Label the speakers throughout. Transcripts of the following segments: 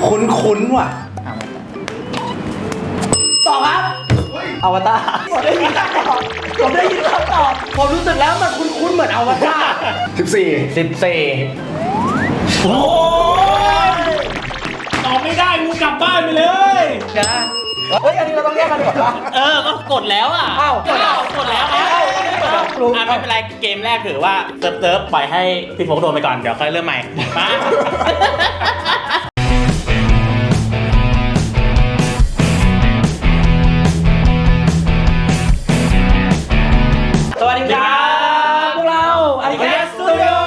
Speaker 1: คุ้นว่ะตอบครับอวตารผมได้ยินคำตอบผมรู้สึกแล้วมันคุ้นเหมือนอวตาร14โอ้ย
Speaker 2: ตอบไม่ได้กูกลับบ้านไปเลย
Speaker 1: เดี๋ยวนะเฮ้ยอันนี้เราต้องแยกกันก่อนปะ
Speaker 3: ก็กดแล้วอ่ะ
Speaker 1: อ้าวกดแล้ว
Speaker 3: ไม่เป็นไรเกมแรกถือว่าเซิร์ฟปล่อยให้พี่โฟกโดนไปก่อนเดี๋ยวค่อยเริ่มใหม่มา
Speaker 1: สวัสดีครับพวกเราอันนี้แคสสตูดิโอ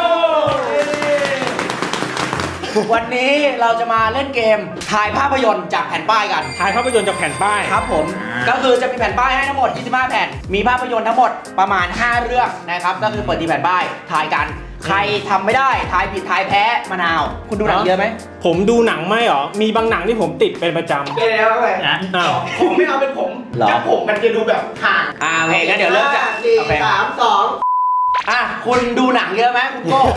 Speaker 1: วันนี้เราจะมาเล่นเกมถ่ายภาพยนตร์จากแผ่นป้ายกัน
Speaker 2: ถ่ายภาพยนตร์จากแผ่นป้าย
Speaker 1: ครับผมก็คือจะมีแผ่นป้ายให้ทั้งหมด25แผ่นมีภาพยนตร์ทั้งหมดประมาณ5เรื่องนะครับก็คือเปิดทีแผ่นป้ายถ่ายกันใครทำไม่ได้ถ่ายผิดถ่ายแพ้มะนาวคุณดูหนังเยอะไหม
Speaker 2: ผมดูหนังไม่หรอมีบางหนังที่ผมติดเป็นประจำ
Speaker 1: เดี๋ยวไป
Speaker 2: อ้าว
Speaker 1: ผมไม่เอาเป็นผมถ้าผมมันจะดูแบบห่างโอเคงั้นเดี๋ยวเริ่มจากโอเค3 2คุณดูหนังเยอะไหมคุณโก้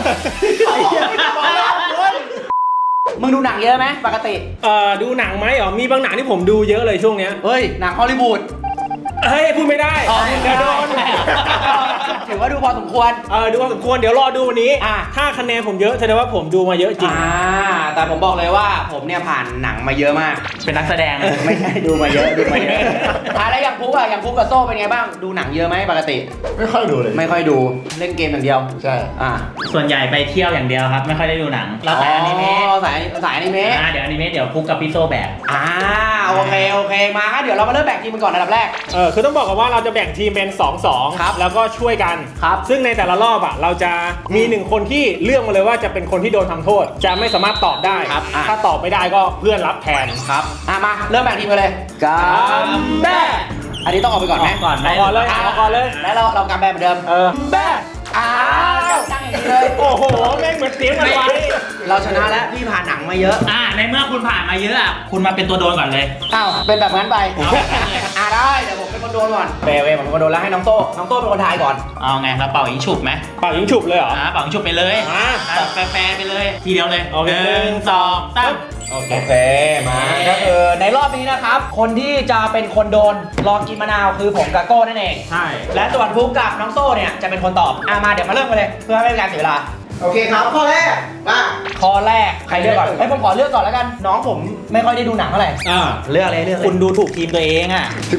Speaker 1: มึงดูหนังเยอะไหมปกติ
Speaker 2: ดูหนังไหมหรอมีบางหนังที่ผมดูเยอะเลยช่วงเนี้ย
Speaker 1: เฮ้ยหนังฮอลลีวูด
Speaker 2: เฮ้ยพูดไม่ได้เดี๋ยวโดน
Speaker 1: ถือว่าดูพอสมควร
Speaker 2: ดูพอสมควรเดี๋ยวรอดูวันนี้ถ้าคะแนนผมเยอะแสดงว่าผมดูมาเยอะจริง
Speaker 1: แต่ผมบอกเลยว่าผมเนี่ยผ่านหนังมาเยอะมาก
Speaker 3: เป็นนักแสดง
Speaker 1: ไม่ใช่ดูมาเยอะแล้วอย่างพุกอย่างพุกกับโซ่เป็นไงบ้างดูหนังเยอะไหมปกติ
Speaker 4: ไม่ค่อยดูเลย
Speaker 1: ไม่ค่อยดูเล่นเกมอย่างเดียว
Speaker 4: ใช่
Speaker 3: ส่วนใหญ่ไปเที่ยวอย่างเดียวครับไม่ค่อยได้ดูหนังเราสายอนิเมะ
Speaker 1: สายอนิเมะ
Speaker 3: เดี๋ยวอนิเมะเดี๋ยวพุกกับพี่โซแบก
Speaker 1: โอเคมาครับเดี๋ยวเรามาเริ่มแบ่งทีมกันก่อนอันดับแรก
Speaker 2: คือต้องบอกกันว่าเราจะแบ่งทีมเป็น2-2
Speaker 1: ครับ
Speaker 2: แล้วก็ช่วยกัน
Speaker 1: ครับ
Speaker 2: ซึ่งในแต่ละรอบเราจะมี1คนที่เลือกมาเลยว่าจะเป็นคนที่โดนทำโทษจะไม่สามารถตอบได้ถ้าตอบไม่ได้ก็เพื่อนรับแทน
Speaker 1: ครับมาเริ่มแบ่งทีมกันเลยกัมแบ้อันนี้ต้องออกไปก่อนไหม
Speaker 3: ก่อน
Speaker 2: เลย
Speaker 1: แล้วเรากัมแบ้เหมือนเดิมแบ้ตั้งอย่างนี้เลย
Speaker 2: โอ้โหแม่งเหมือนเสียงอะไร
Speaker 1: เราชนะแล้วพี่ผ่านหนังมาเยอะ
Speaker 3: ในเมื่อคุณผ่านมาเยอะคุณมาเป็นตัวโดนก่อนเลย
Speaker 1: เป็นแบบนั้นไปได้เดี๋ยวผมเป็นคนโดนก่อนผมเป็นคนโดนแล้วให้น้องโต้เป็นคนทายก่อน
Speaker 3: เอาไงเราเป่ายิงฉุบไหม
Speaker 2: เป่ายิงฉุบเลยเหรอ
Speaker 3: เป่ายิงฉุบไปเลยแฟร์ไปเลยทีเดียวเลย1 2 3
Speaker 1: โอเคมาก็คือในรอบนี้นะครับคนที่จะเป็นคนโดนรอกินมะนาวคือผมกับโก้นั่นเอง
Speaker 2: ใช่
Speaker 1: และส่วนฟุกกับน้องโซ่เนี่ยจะเป็นคนตอบมาเดี๋ยวมาเริ่มกันเลยเพื่อไม่เป็นการเสียเวลา
Speaker 4: โอเคครับข้อแรกมา
Speaker 1: ข้อแรกใครเลือกก่อนผมขอเลือกก่อนแล้วกันน้องผมไม่ค่อยได้ดูหนังเท่าไหร่เลือกเลย
Speaker 3: คุณดูถูกทีมตัวเอง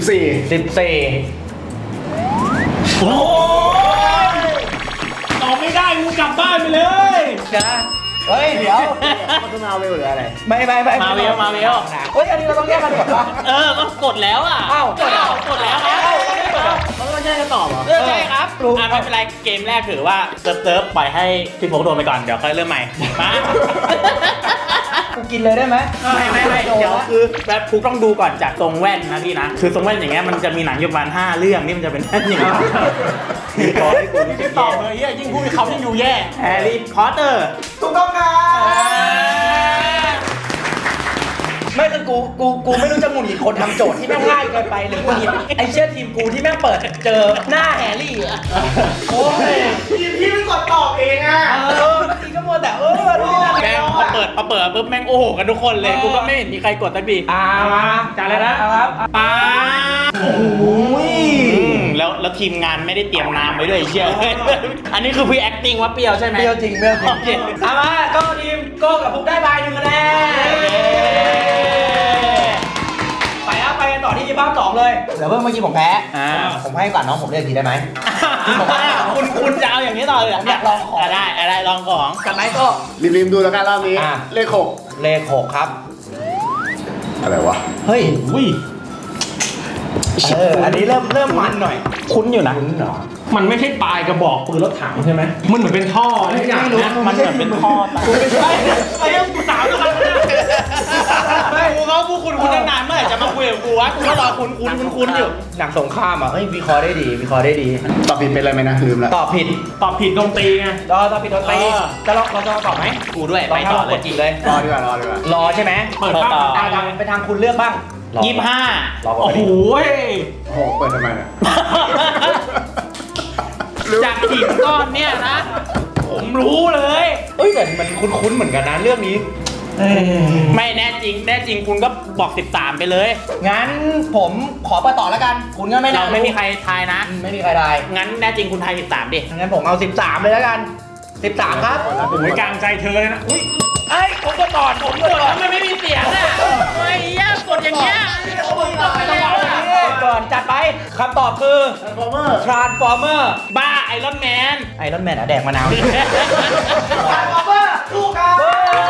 Speaker 1: โอ้
Speaker 2: ยตอบไม่ได้กูกลับบ้านไปเลย
Speaker 1: เฮ้ยเดี๋ยว
Speaker 4: มันจะมาเวลหรืออะไร
Speaker 1: ไม่
Speaker 3: มาเวล
Speaker 1: เฮ้ยอันนี้เราต้องแยกกันก่อนปะ
Speaker 3: ก็กดแล้วกดแล้ว
Speaker 1: เขาไม่ใช่จะตอบเหรอ
Speaker 3: ใช่ครับไม่เป็นไรเกมแรกถือว่าเซิร์ฟปล่อยให้พี่โฟกโดนไปก่อนเดี๋ยวค่อยเริ่มใหม่มา
Speaker 1: กูกินเลยได้ไหม
Speaker 3: ไม่เดี๋ยวคือแบบพุกต้องดูก่อนจากทรงแว่นนะพี่นะคือทรงแว่นอย่างเงี้ยมันจะมีหนังอยู่ประมาณ5เรื่องนี่มันจะเป็นอย่างเงี้ย
Speaker 2: ขอให้กูไม่ตอบเลยยิ่งพูดเขายิ่งดูแย่
Speaker 3: แฮร์รี่พอตเตอร์
Speaker 1: ถูกต้องครับไม่คือกูไม่รู้จะหงุดหงิดคนทำโจทย์ที่แม่งง่ายเกินไปหรือหงุดหงิดไอ้เชี่ยทีมกูที่แม่งเปิดเจอหน้าแฮร์รี่โอ้ย
Speaker 4: ทีมพี่ไม่กดตอบเอง
Speaker 1: ทีก็มัวแต่
Speaker 3: แม่งพอเปิดปุ๊บแม่งโอ้โหกันทุกคนเลยกูก็ไม่เห็นมีใครกดสักที
Speaker 1: มา
Speaker 3: จ่ายเลยนะครับโอ้โหแล้วทีมงานไม่ได้เตรียมน้ำไว้ด้วยเชี่ยอันนี้คือพี่ acting ว่าเปรี้ยวใช่ไหม
Speaker 1: เปรี้ยวจริงมาก็ทีมโก้กับพุกได้ใบ1คะแนนไปกันต่อที่ภาพ2เลยเดี๋ยวเมื่อกี้ผมแพ้ผมให้ก่อนน้องผมเลือกทีได้ไหม
Speaker 3: คุณจะเอาอย่างนี้ต่อเลย
Speaker 1: อยากลองของ
Speaker 3: ได้ลองของ
Speaker 1: กันไหมก็
Speaker 4: ริมดูแล้วกันรอบนี้เลข
Speaker 1: 6ครับ
Speaker 4: อะไรวะ
Speaker 1: เฮ้ยอันนี้เริ่มมันหน่อย
Speaker 3: คุ้นอยู่นะ
Speaker 2: มันไม่ใช่ปลายกระบอกปืนรถถังใช่ไหมมันเหมือนเป็นท่อ
Speaker 1: ไม่รู้
Speaker 3: มันเหมือนเป็นท่อ
Speaker 1: ไอ้เรื่องกูสาวแล้วกัน
Speaker 3: กูเขาพูดคุณนานเมื่อไหร่จะมาคุยกับกูวะกูก็รอคุณอยู่
Speaker 1: หนังสงครามวิเคราะห์ได้ดี
Speaker 4: ตอบผิดเป็นอะไรไหมนะลืมแล้ว
Speaker 1: ตอบผิด
Speaker 2: ดนตรีไง
Speaker 1: ตอบผิดดนตรีเราจะตอบไหม
Speaker 3: กูด้วยไปต่อเลย
Speaker 1: จีเลย
Speaker 4: รอดีกว่าร
Speaker 1: อใช่ไหม
Speaker 2: เปิดต่อ
Speaker 1: ไปทางคุณเลือกบ้าง
Speaker 3: 25
Speaker 2: โอ้โห
Speaker 4: เปิดทำไมเนี่ย
Speaker 3: จากหินก้อนเนี่ยนะผมรู้เลย
Speaker 1: แต่มันคุ้นๆเหมือนกันนะเรื่องนี้
Speaker 3: ไม่แน่จริงคุณก็บอก 13 ไปเลย
Speaker 1: งั้นผมขอเปิดต่อแล้วกัน คุณก็ไม่
Speaker 3: เรา
Speaker 1: น่า
Speaker 3: ไม่มีใครทายนะ
Speaker 1: ไม่มีใครได้
Speaker 3: งั้นแน่จริงคุณทาย 13 ดิ
Speaker 1: งั้นผมเอา 13เลยแล้วกัน 13 ครับ
Speaker 2: โอ้ยกลางใจเธอเลยนะอุ้ย
Speaker 1: เอ้ยผมกดก่อนผมกดก่อน
Speaker 3: ทำไมไม่มีเสียงอ่ะไอ้เหี้ยกดอย่างเงี้ย
Speaker 1: ก่อนจัดไปคำตอบคือ Transformer
Speaker 3: บ้าไอรอนแมน
Speaker 1: ไอรอนแมนอะแดกมะนาว Transformer ถูกครับ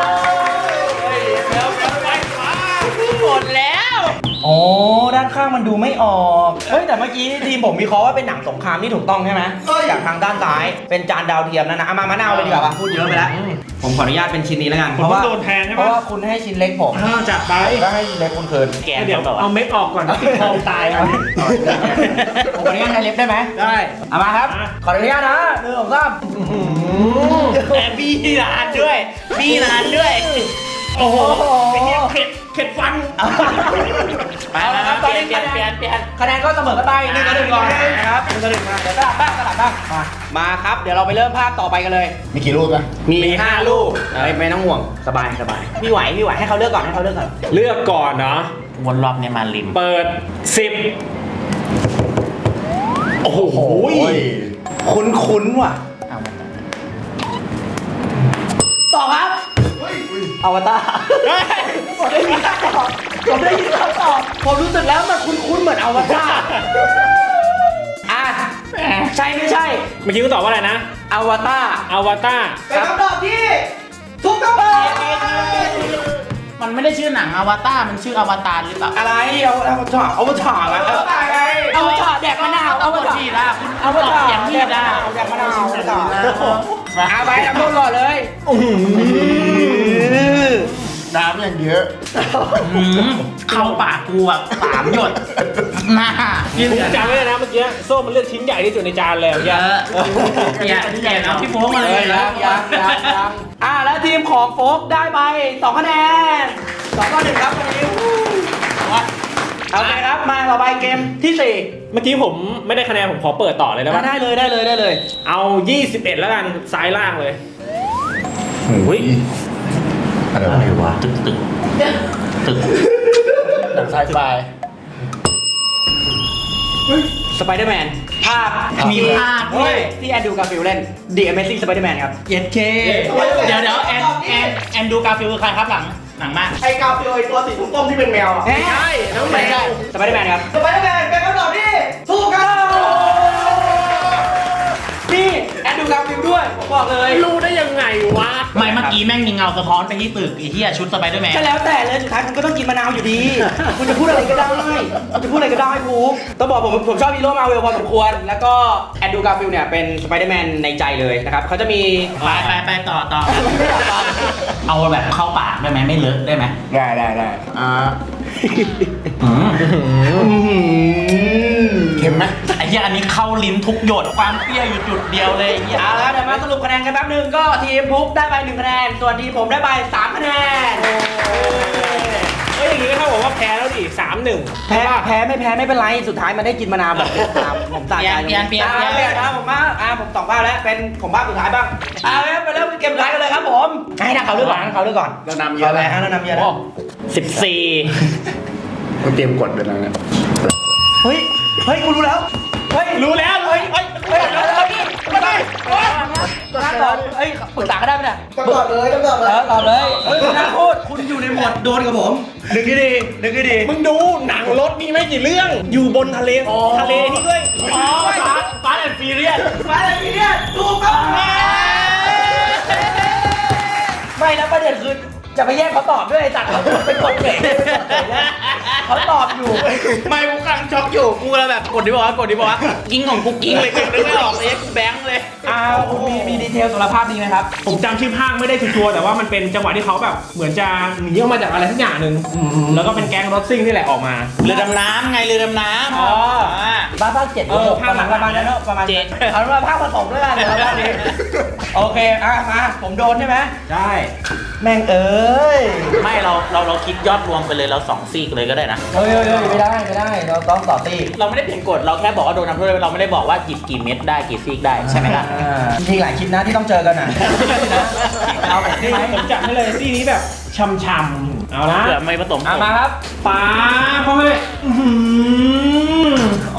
Speaker 3: หมดแล้ว
Speaker 1: โอ้ด้านข้างมันดูไม่ออกเฮ้ยแต่เมื่อกี้ทีมผมวิเคราะห์ว่าเป็นหนังสงครามที่ถูกต้องใช่ไหมจากทางด้านซ้ายเป็นจานดาวเทียมนั่นนะเอามามะนาวเลยดีกว่าป่ะพูดเยอะไปแล้ว ผมขออนุญาตเป็นชิ้นนี้แล้วกัน
Speaker 2: ผมต้องโดนแทนใช่
Speaker 1: เพ
Speaker 2: ปะ
Speaker 1: ราะว่าคุณให้ชิ้นเล็กผม
Speaker 2: จัดไป
Speaker 1: ก็ให้ชิ้นเล็กคุณคืน
Speaker 3: แกน
Speaker 2: เดี๋ยว
Speaker 3: แบบว่า
Speaker 2: เอาเม็ดออกก่อนติดคอตายเอา
Speaker 1: ผมขออนุญาตใช้เล็บได้ไหม
Speaker 2: ได้
Speaker 1: เอามาครับ ขออนุญาตนะ1 2 3
Speaker 3: แต่บี้นานด้วยบี้นานด้วย
Speaker 2: โอ้โหไอ้เหี้ยเข็ดฟัน
Speaker 3: ไปครับเปลี่ยน
Speaker 1: คะแนนก็เสมอกันไป1-1ก่อนนะครับ1-1มาเดี๋ยวสลับบ้างมาครับเดี๋ยวเราไปเริ่มภาพต่อไปกันเลย
Speaker 4: มีกี่รูปนะ
Speaker 1: มี5ลูกไม่ต้องห่วงสบายพี่ไหวให้เขาเลือกก่อน
Speaker 2: เลือกก่อนเนาะ
Speaker 3: วนรอบเนี่ยมาริม
Speaker 2: เปิด 10 โอ้โห
Speaker 1: คุ้นว่ะ
Speaker 3: เอามา
Speaker 1: ต่อครับอวตารผมได้ยินคำตอบผมรู้สึกแล้วมันคุ้นเหมือนอวตารอ่ะใช่ไม่ใช่
Speaker 2: เมื่อกี้คุณตอบว่าอะไรนะ
Speaker 1: อวตาร
Speaker 2: อวตาร
Speaker 1: เป็นคำตอบที่ถูกต้อง
Speaker 3: มันไม่ได้ชื่อหนังอวตารมันชื่ออวตารหรือเปล่า
Speaker 1: อะไรอวตารอวตารแดกมะนาวอวตาร
Speaker 3: ดีละคุณ
Speaker 1: อวตาร
Speaker 3: อย่างนี้ได้
Speaker 1: แดกมะนาวอวตารเอาไปทำโทษก่อนเลย
Speaker 4: น้ำอย่างเยอะ
Speaker 3: เข้าปากกูแบบ3 หยดหน้า
Speaker 2: ผมจำไว้เลยนะเมื่อกี้โซ่มันเลือกชิ้นใหญ่ที่สุดในจานเลย
Speaker 3: เยอะอย่าเอาพี่โฟ้มาเลย
Speaker 1: ยังแล้วทีมของโฟกได้ไป2 คะแนน2-1ครับวันนี้เอาไปครับมาต่อไปเกมที่
Speaker 2: เมื่อกี้ผมไม่ได้คะแนนผมขอเปิดต่อเลยได้
Speaker 1: 4
Speaker 2: ปะ
Speaker 1: ได้เลย
Speaker 2: เอา 21 แล้วกันซ้ายล่างเลย
Speaker 4: อุ้ยอะไรวะ
Speaker 3: ตึก
Speaker 4: หนังไซไฟ
Speaker 1: สไปเดอร์แมนภาพ
Speaker 3: มีภาพด้วย
Speaker 1: ที่แอนดรูการ์ฟิลด์เล่น The Amazing Spider-Man ครับ
Speaker 3: เย็ดเคเดี๋ยวแอนดูกาฟิลคือใครครับหนังมาก
Speaker 1: ไอ้กาฟิลไอ้ตัวสีส้มที่เป็นแมวไม่ใช่ไม่ใช่สไปเดอร์แมนครับสไปเดอร์แมนเป็นคำตอบที่ถูกครับนี่แอนดรูการ์ฟิลด์ด้วยผมบอกเลย
Speaker 2: รู้ได้ยังไงวะ
Speaker 3: ไม่เมื่อกี้แม่งมีเงาสะท้อนไปที่ตึกไอ้เหี้ยชุดสไปเดอร์แมน
Speaker 1: ก็แล้วแต่เลยสุดท้ายคุณก็ต้องกินมะนาวอยู่ดี คุณจะพูดอะไรก็ได้คุณจะพูดอะไรก็ได้ภูมิต้องบอกผมชอบฮีโร่มาเวลพอสมควร แล้วก็แอนดรูการ์ฟิลด์เนี่ยเป็นสไปเดอร์แมนในใจเลยนะครับเขาจะมี
Speaker 3: ไปต่อเอาแบบเข้าปากได้ไหมไม่เลอะได้ไหม
Speaker 4: ได้เค็มไหม
Speaker 3: ไอ้เหี้ยอันนี้เข้าลิ้นทุกหยดความเปรี้ยวอยู่จุดเดียวเลยไอ้เหี้ย
Speaker 1: เอาละเดี๋ยวมาสรุปคะแนนกันแป๊บนึงก็ทีมพุกได้ไป1 คะแนนส่วนทีมผมได้ไป3 คะแนน
Speaker 2: เฮ้ยอย่างนี้ก็เท่ากับว่าแพ้แล้วดิ3-1
Speaker 1: แพ้ไม่เป็นไรสุดท้ายมันได้กินมะนาวแบบผมสะใจ
Speaker 3: เปลี่ยน
Speaker 1: นะผมมาผม2 ภาพแล้วเป็นของภาพสุดท้ายบ้างไปเริ่มเกมสุดท้ายกันเลยครับผมให้ทางเขาเลือกก่อน
Speaker 4: เรานำเยอะแล้ว
Speaker 1: เรานำเยอะแล้ว
Speaker 3: 14
Speaker 4: เราเตรียมกดไปแล้วเนี่ย
Speaker 1: เฮ้ยกูรู้แล้วเฮ้ย
Speaker 2: รู้แล้วเลย
Speaker 1: ไม่ได้ปรึกษาก็ได้ไหมเนี่ยตอบเลยตอบเลยคุณน่าพูดคุณอยู่ในหมวดโดนกับผมนึกให้ดี
Speaker 2: มึงดูหนังรถมีไม่กี่เรื่อง อยู่บนทะเลนี่ด้วย
Speaker 3: ฟาสแอนด์ฟิเรียส
Speaker 1: มาเลยทีเนี่ยถูกต้องไม่แล้วประเด็นคือจะไปแย่งเขาตอบด้วยไอ้จัดเขาเป็นคนเก่งเขาตอบอยู่
Speaker 3: ไม่กูกำลังช็อกอยู่กูเลยแบบกดดิบอกว่ากิ้งของกูกิ้งเลยนึกไม่ออกเลยกูแบงค์เลย
Speaker 1: มีดีเทลสำหรับภาพนี้ไหมครับ
Speaker 2: ผมจำชื่อภาคไม่ได้ชัวร์แต่ว่ามันเป็นจังหวะที่เขาแบบเหมือนจะหนีออกมาจากอะไรสักอย่างหนึ่งแล้วก็เป็นแก๊งรถซิ่งนี่แหละออกมา
Speaker 3: เรือดำน้ำไงเรือดำน้ำ
Speaker 1: ภาค7 6ประมาณนั้นเนอะประมาณ
Speaker 3: 7
Speaker 1: เอาว่าภาคผสมแล้วกันภาคนี้โอเคมาผมโดนใช่ไหม
Speaker 2: ใช่
Speaker 1: แม่งเอ้ย
Speaker 3: ไม่เราคิดยอดรวมไปเลยเรา2 ซีกเลยก็ได้นะ
Speaker 1: เฮ้ยไม่ได้เราต้องต่อตี
Speaker 3: เราไม่ได้เปลี่ยนกฎเราแค่บอกว่าโดนทำโทษเราไม่ได้บอกว่าหยิบกี่เม็ดได้กี่ซีกได้ใช่ไหมล่ะ
Speaker 1: จริงๆหลายคลิปนะที่ต้องเจอกันนะเอาแบบนี้ไหม
Speaker 2: ผมจัดให้เลยที่นี้แบบช่ำๆเอาละ
Speaker 3: เผื่อไม่ผสม
Speaker 1: มาครับ
Speaker 2: ป๋าพ่อแม่อื้อหือ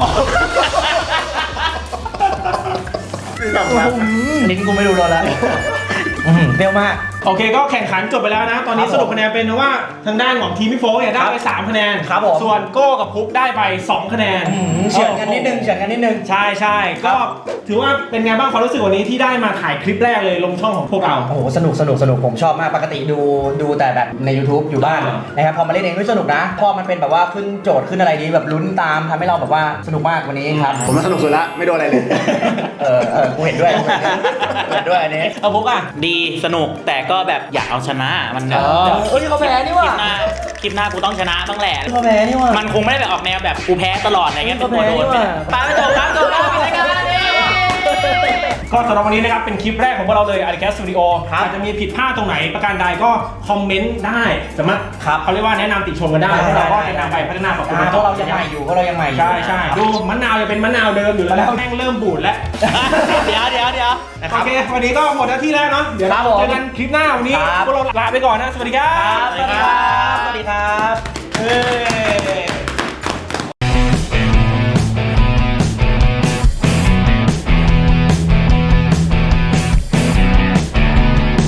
Speaker 1: ลิ้นกูไม่รู้รสแล้วเปรี้ยวมาก
Speaker 2: โอเคก็แข่งขันจบไปแล้วนะ ตอนนี้สรุปคะแนนเป็นว่าทางด้านของทีมพี่โฟกเนี่ยได้ไป3คะแนน
Speaker 1: ครับผม
Speaker 2: ส่วนโก้กับพุกได้ไป2คะแนน
Speaker 1: เฉือนกันนิดนึงเฉือนกันนิดนึง
Speaker 2: ใช่ใช่ก็ถือว่าเป็นไงบ้างความรู้สึกวันนี้ที่ได้มาถ่ายคลิปแรกเลยลงช่องของพวกเรา
Speaker 1: โอ้โหสนุกผมชอบมากปกติดูแต่แบบใน YouTube อยู่บ้านนะครับพอมาเล่นเองด้วยสนุกนะพอมันเป็นแบบว่าขึ้นโจทย์ขึ้นอะไรนี้แบบลุ้นตามทำให้เราแบบว่าสนุกมากวันนี้ครับ
Speaker 4: ผมว่าสนุกสุดละไม่โดนอะไรเลย
Speaker 1: กูเห็นด้วยอันนี้
Speaker 2: เอาพุกอ่ะ
Speaker 3: ดีสนุกแต่ก็แบบอยากเอาชนะมันแบบ
Speaker 1: นี่เขาแพ้นี่
Speaker 3: ค
Speaker 1: ว่ะ
Speaker 3: ลิปหน้ากูต้องชนะบ้างแหละ
Speaker 1: เขาแพ้นี่ว่ะ
Speaker 3: มันคงไม่ได้แบบออกแนวแบบกูแพ้ตลอดอะไรเงี้ยเป็น
Speaker 1: ก็
Speaker 3: ตัว
Speaker 1: แพ้
Speaker 3: โดน
Speaker 1: นี่
Speaker 3: ไป
Speaker 1: ว่ะ
Speaker 3: ปาไปจบครับปิดรายการนี่
Speaker 2: ก็สำหรับวันนี้นะครับเป็นคลิปแรกของพวกเราเลย Arcade Studio อาจจะมีผิดพลาดตรงไหนประการใดก็คอมเมนต์ได้สามารถเขาเรียกว่าแนะนำติชมกันได้แล้วเราก็จะนำไปพัฒนาปรับปรุง
Speaker 1: เพราะเรายังใหม่อยู่
Speaker 2: ใช่ดูมะนาวจะเป็นมะนาวเดิมอยู่แล้วแม่งเริ่มบูดแล้ว
Speaker 3: เดี๋ยว
Speaker 2: โอเค วันนี้ก็หมดหน้าที่แล้วเนาะ เดี๋ยวเราเจอกันคลิปหน้าวันนี้ พวกเราลาไปก่อนนะ สวัสดีครับ
Speaker 1: สวัสดีครับ
Speaker 2: เฮ้